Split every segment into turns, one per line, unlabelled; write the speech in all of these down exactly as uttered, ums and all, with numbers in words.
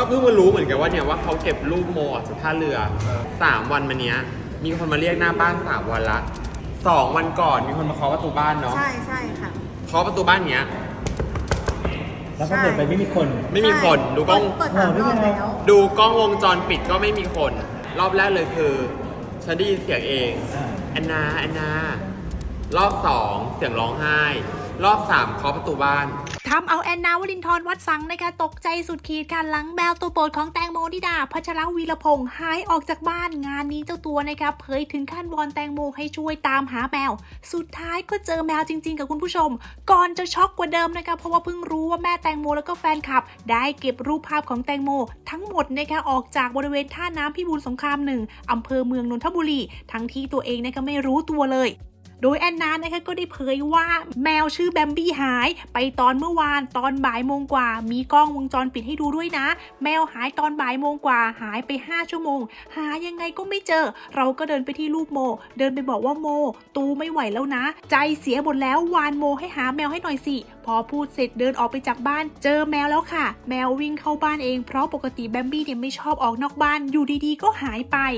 เพิ่งมารู้เหมือนกันว่าเนี่ยว่าเขาเก็บรูปโมออกจากท่าเรือสามวันมาเนี้ยมีคนมาเรียกหน้าบ้านสามวันละสองวันก่อนมีคนมาเคาะประตูบ้านเนาะ
ใช่ใช่ค่ะ
เคาะประตูบ้านเนี้ย
แล้วก็เปิดไปไม่มีคน
ไม่มีคนดูกล้อง
เปิดสามรอบแล้ว
ดูกล้องวงจรปิดก็ไม่มีคนรอบแรกเลยคือฉันได้ยินเสียงเองแอนนาแอนนารอบสองเสียงร้องไห้รอบสามเคาะประตูบ้าน
ทำเอาแอนนาวลินทร์วัดสังนะคะตกใจสุดขีดค่ะหลังแมวตัวโปรดของแตงโมนิดาพัชรวีรพงษ์หายออกจากบ้านงานนี้เจ้าตัวนะคะเผยถึงขั้นวอนแตงโมให้ช่วยตามหาแมวสุดท้ายก็เจอแมวจริงๆกับคุณผู้ชมก่อนจะช็อกกว่าเดิมนะคะเพราะว่าเพิ่งรู้ว่าแม่แตงโมแล้วก็แฟนคลับได้เก็บรูปภาพของแตงโมทั้งหมดนะคะออกจากบริเวณท่าน้ำพิบูลสงครามหนึ่งอำเภอเมืองนนทบุรีทั้งที่ตัวเองนะคะไม่รู้ตัวเลยโดยแอนนานะคะก็ได้เผยว่าแมวชื่อแบมบี้หายไปตอนเมื่อวานตอนบ่ายโมงกว่ามีกล้องวงจรปิดให้ดูด้วยนะแมวหายตอนบ่ายโมงกว่าหายไปห้าชั่วโมงหายังไงก็ไม่เจอเราก็เดินไปที่รูปโมเดินไปบอกว่าโมตูไม่ไหวแล้วนะใจเสียหมดแล้ววานโมให้หาแมวให้หน่อยสิพอพูดเสร็จเดินออกไปจากบ้านเจอแมวแล้วค่ะแมววิ่งเข้าบ้านเองเพราะปกติแบมบี้เนี่ยไม่ชอบออกนอกบ้านอยู่ดีๆก็หายไป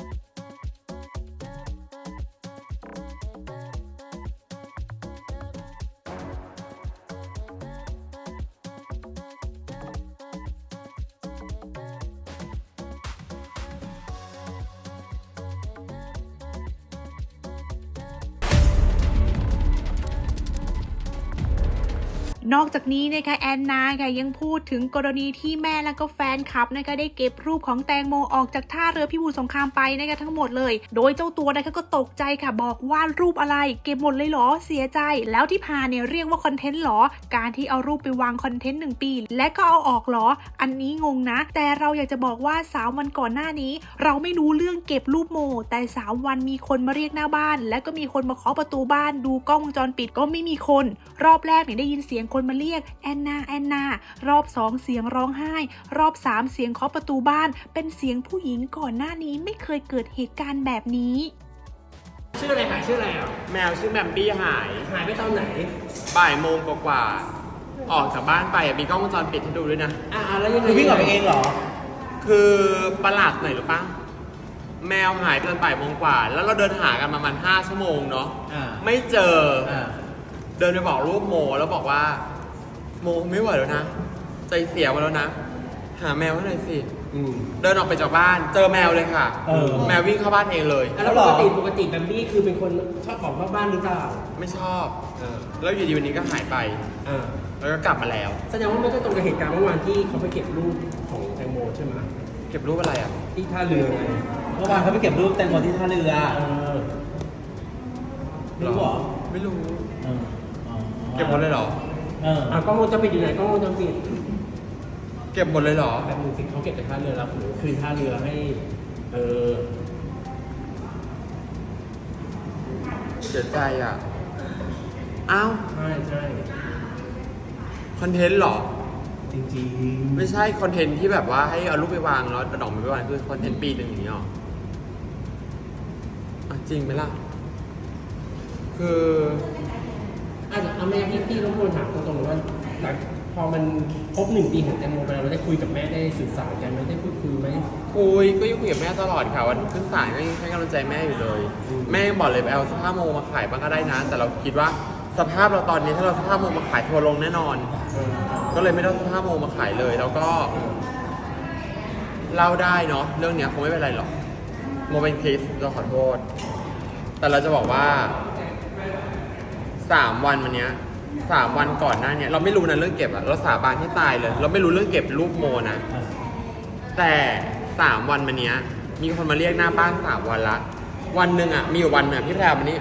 นอกจากนี้นะคะแอนนาค่ะยังพูดถึงกรณีที่แม่และก็แฟนคลับนะคะได้เก็บรูปของแตงโมออกจากท่าเรือพิบูลสงครามไปนะคะทั้งหมดเลยโดยเจ้าตัวนะคะก็ตกใจค่ะบอกว่ารูปอะไรเก็บหมดเลยเหรอเสียใจแล้วที่พาเนี่ยเรียกว่าคอนเทนต์หรอการที่เอารูปไปวางคอนเทนต์หนึ่งปีและก็เอาออกหรออันนี้งงนะแต่เราอยากจะบอกว่าสามวันก่อนหน้านี้เราไม่รู้เรื่องเก็บรูปโมแต่สามวันมีคนมาเรียกหน้าบ้านและก็มีคนมาเคาะประตูบ้านดูกล้องวงจรปิดก็ไม่มีคนรอบแรกเนี่ยได้ยินเสียงคนมาเรียกแอนนาแอนนารอบสองเสียงร้องไห้รอบสามเสียงเคาะประตูบ้านเป็นเสียงผู้หญิงก่อนหน้านี้ไม่เคยเกิดเหตุการณ์แบบนี้
ชื่ออะไรหายชื่ออะไรอ่ะ
แมวชื่อแบมบี้หาย
หายไปตอนไหน
บ่ายโมงกว่าๆออกจากบ้านไปมีกล้องวงจรปิดให้ดูด้วยนะ
อ่าแล้วยังไง
วิ่งออกไปเองเหรอ
คือประหลาดหน่อยหรือปะแมวหายตอนบ่ายโมงกว่าแล้วเราเดินหากันประมาณห้าชั่วโมงเนาะไม่เจอเดินไปบอกรูปโมแล้วบอกว่าโมไม่ไหวแล้วนะใจเสียมาแล้วนะหาแมวให้หน่อยสิเดินออกไปจากบ้านเจอแมวเลยค่ะแมววิ่งเข้าบ้านเองเลย
แล้วปกติปกติแบมบี้คือเป็นคนชอบของนอกบ้านหรือเปล่า
ไม่ชอบแล้วอยู่ดีวันนี้ก็หายไปแล้วก็กลับมาแล้ว
แสดงว่าไม่ได้ตรงกับเหตุการณ์เมื่อวานที่เขาไปเก็บรูปของแตงโมใช่ไหม
เก็บรูปอะไรอ่ะ
ที่ท่าเรือไง
เมื่อวานเขาไปเก็บรูปแตงโมที่ท่าเรือ
ไม่รู้หรอไม่รู้เก็บหมดเลยเหรอ
เอออ่ะกล้องวงจรปิดอยู่ไหนกล้องวงจรปิด
เก็บหมดเลยเหรอ
แบบนึงสิเขาเก็บจากท่าเรือแล้วหรือคืนท่าเรือให้เออ
เสียใจอ่ะอ้าว
ใช่ใช่
คอนเทนต์หรอ
จริงๆ
ไม่ใช่คอนเทนต์ที่แบบว่าให้เอารูปไปวางแล้วดอกไปวางคือคอนเทนต์ปีหนึ่งอย่างนี้หรออ่ะจริงไหมล่ะคือ
อาจจะเอาแม่พี่พี่รบกวนถามตรงๆว่าหลังพอมันครบหนึ่งปีของแตงโมไปเราได้คุยกับแม่ได้สื่อสารกันไหมได้พูดคุยไหม
คุยก็ยังคุยกับแม่ตลอดค่ะวันขึ้นศาลก็ยังให้กำลังใจแม่อยู่เลยแม่บอกเลยไปเอาเสื้อผ้าโมมาขายบ้างก็ได้นะแต่เราคิดว่าสภาพเราตอนนี้ถ้าเราเสื้อผ้าโมมาขายทัวร์ลงแน่นอนก็เลยไม่ได้เสื้อผ้าโมมาขายเลยแล้วก็เล่าได้เนาะเรื่องนี้คงไม่เป็นไรหรอกโมเป็นคริสเราขอโทษแต่เราจะบอกว่าสามวันวันนี้สามวันก่อนหน้านี้เราไม่รู้นะเรื่องเก็บอะเราสาบานให้ตายเลยเราไม่รู้เรื่องเก็บรูปโมนะแต่สามวันวันนี้มีคนมาเรียกหน้าบ้านสามวันละวันหนึ่งอะมีอยู่วันหนึ่งพี่แพรวันนี้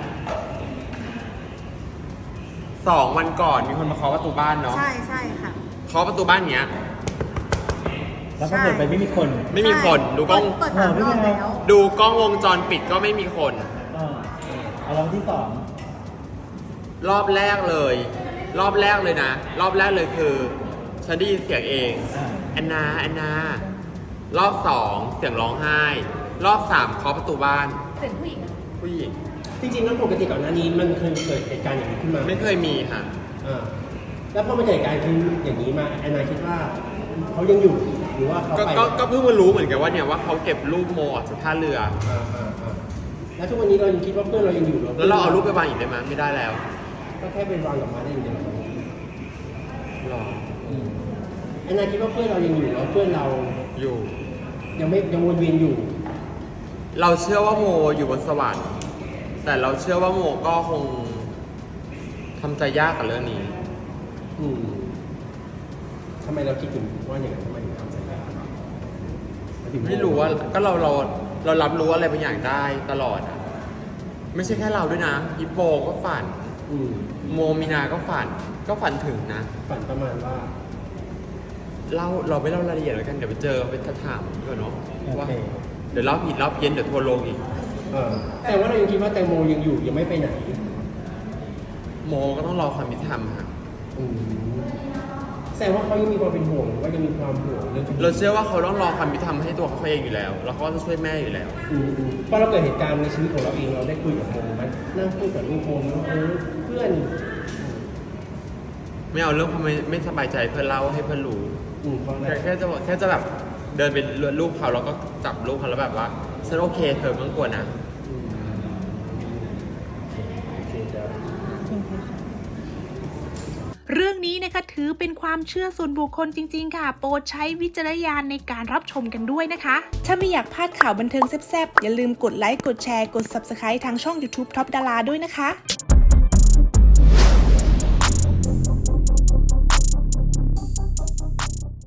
สองวันก่อนมีคนมาเคาะประตูบ้านเนาะ
ใช่ใช่ค่ะ
เคาะประตูบ้านเนี้ย
แล้วก็เปิดไปไม่มีคน
ไม่มีคนดูกล้อง
เปิดสามรอบแล้ว
ดูกล้องวงจรปิดก็ไม่มีคน
เอารอบที่สอง
รอบแรกเลยรอบแรกเลยนะรอบแรกเลยคือฉันได้ยินเสียงเองแอนนาแอนนารอบสองเสียงร้องไห้รอบสามเคาะประตูบ้าน
เสียงผู้หญิง
ผู้หญิง
จริงๆแล้วปกติก่อนหน้านี้มันเคยเกิดเหตุการณ์อย่างนี้ขึ้นมา
ไม่เคยมีค่ะ
อ่าแล้วพอมันเกิดเหตุการณ์อย่างนี้มาแอนนาคิดว่าเขายังอยู่หรือว่าเขา
ก็
ไป
ก็ก็เพิ่งมารู้เหมือนกันว่าเนี่ยว่าเขาเก็บรูปโมออกจากท่าเรือ
อ่าอ่าอ่าแล้วทุกวันนี้เรายังคิดว่าเพื่อนเรายังอยู่หรอ
แล้วเราเอารูปไปวางอีกได้ไหมไม่ได้แล้ว
ก็แค่เป็นวางกับมาได้อย่างเดียว
หรอ
ไอ้นายคิดว่าเพื่อนเรายังอยู่แล้วเพื่อนเรา
อยู่
ยังไม่ยังวนเวียนอยู่
เราเชื่อว่าโมอยู่บนสวรรค์แต่เราเชื่อว่าโมก็คงทำใจยากกับเรื่องนี้
อืมทำไมเราคิดถึงว่าอย่างนั้นทำไมถึงทำใจยาก
ไม่รู้ว่าก็เราเราเรารับรู้อะไรบางอย่างได้ตลอดอะไม่ใช่แค่เราด้วยนะฮิปโปก็ฝัน
อืม
โมมีนาก็ฝันก็ฝันถึงนะ
ฝันประมาณว่า
เล่าเราไม่เล่ารายละเอียดแล้วกันเดี๋ยวไปเจอไปถามก่อนเนาะ
โอ
ว่า
เค
เดี๋ยวเล่าผิดเล่าเพี้ยนเดี๋ยวทัวร์ลงอีก
เออแต่ว่าเรายังคิดว่าแตงโมยังอยู่ยังไม่ไปไหน
โมก็ต้องรอความยุติธรรมค่ะ
อืมแสดงว่าเขายังมีความเป็นห่วงหรือว่ายังมีความห่วงเรื่องคดี
เราเชื่อว่าเขาต้องรอความยุติธรรมให้ตัวเขาเองอยู่แล้ว แล้วเขาก็จะช่วยแม่อยู่แล้ว
อืมอืมพอเราเกิดเหตุการณ์ในชีวิตของเราเองเราได้คุยกับโมไหมนั่งคุยกับลูกโมน้องเออเพื่อน
ไม่เอาเรื่องความไม่ไม่สบายใจเพื่อนเล่าให้เพื่อนรู้
อืมเพราะอะไร
แค่แค่จะบอกแค่จะแบบเดินไปลูกเขาแล้วก็จับลูกเขาแล้วแบบว่าฉันโอเคเธอไม่ต้องกลัวนะ
อืมโอเคจ้ะ
เรื่องนี้นะคะถือเป็นความเชื่อส่วนบุคคลจริงๆค่ะ โปรดใช้วิจารณญาณในการรับชมกันด้วยนะคะ ถ้าไม่อยากพลาดข่าวบันเทิงแซ่บๆอย่าลืมกดไลค์กดแชร์กด ซับสไครบ์ ทางช่อง ยูทูบ ท็อปดาราด้วยนะคะ